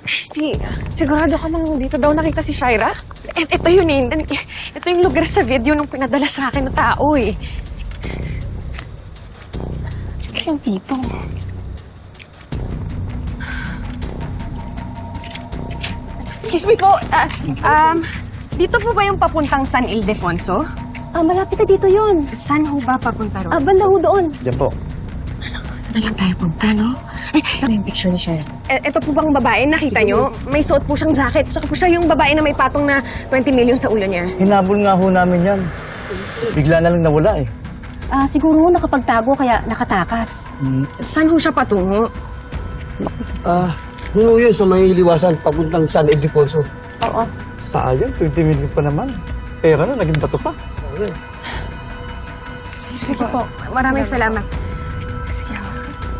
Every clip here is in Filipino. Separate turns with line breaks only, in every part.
Christy, sigurado ka mang dito daw nakita si Shaira? Ito yun eh. Ito yung lugar sa video nung pinadala sa akin ng tao eh. Sige yung dito. Excuse me po. Dito po ba yung papuntang San Ildefonso?
Malapit na dito yun.
Saan ho ba papunta ron?
Banda ho doon.
Diyan po.
Na lang tayo punta, no? Ay, ito yung picture ni Shaira. Ito po bang babae, nakita nyo? May suot po siyang jacket. Saka po siya yung babae na may patong na 20 million sa ulo niya.
Hinabol nga ho namin yan. Bigla na lang nawala eh.
Siguro nakapagtago kaya nakatakas.
Saan ho siya patungo?
Ano yun sa may liwasan papuntang San Ildefonso?
Oo.
Sayang, 20 million pa naman. Pera na, naging bato pa.
Sige po. Maraming salamat. Sige ho.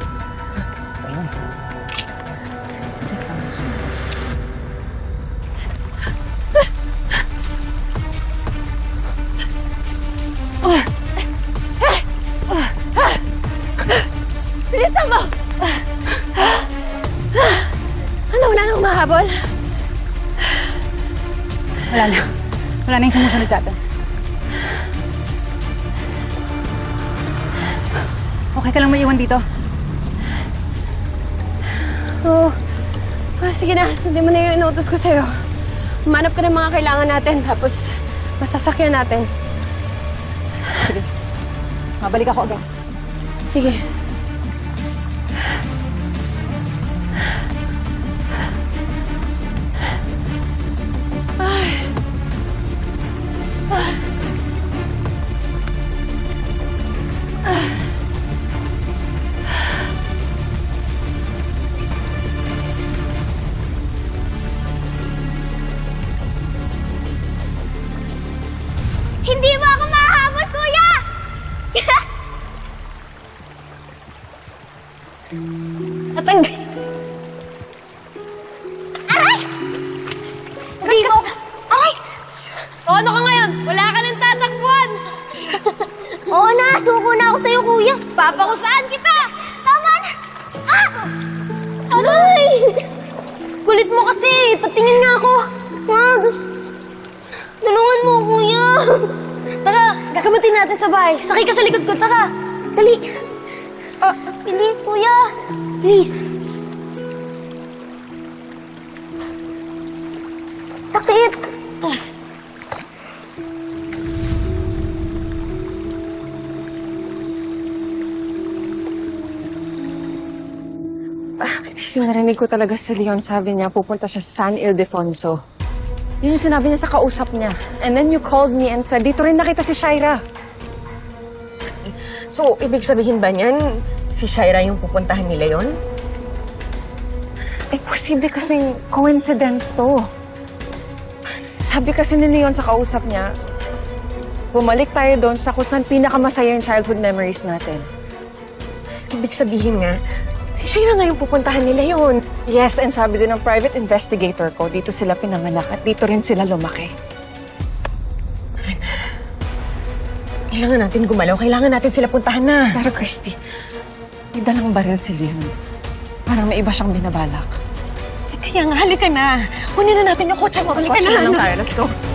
Bilisan mo! Ano, wala nang mahabol?
Wala na. Wala na yung sumusunod sa atin. Okay ka lang maiwan dito?
Oo. Sige na, sundin mo na yung inuutos ko sa'yo. Manap ka ng mga kailangan natin, tapos masasakyan natin.
Sige. Mabalik ako agad.
Sige. Hindi mo ako mahabol, kuya! Natanggal. Aray! Hindi mo. Aray! O, ano ka ngayon? Wala ka nang tatakbuhan. Oo na, suko na ako sa'yo, kuya. Papakusaan kita! Tama na! Aray! Kulit mo kasi. Patingin nga ako. Tulungan mo, kuya. Tara, gagamitin natin sa bahay. Sakay ka sa likod ko, tara. Dali. Bilis, kuya. Please. Sakit.
Kasi narinig ko talaga si Leon, sabi niya, pupunta siya sa San Ildefonso. Yun yung sinabi niya sa kausap niya. And then you called me and said, dito rin nakita si Shaira. So, ibig sabihin ba niyan, si Shaira yung pupuntahan ni Leon? Eh, posible kasing coincidence to. Sabi kasi ni Leon sa kausap niya, bumalik tayo doon sa kung saan pinakamasaya yung childhood memories natin. Ibig sabihin nga, si Shaira nga yung pupuntahan ni Leon. Yes, and sabi din ng private investigator ko, dito sila pinanganak at dito rin sila lumaki. Kailangan natin gumalaw. Kailangan natin sila puntahan na. Pero Christy, may dalang baril si Leon. Parang may iba siyang binabalak. Kaya nga, halika na. Kunin na natin yung kotse mo. Halika na. Let's go.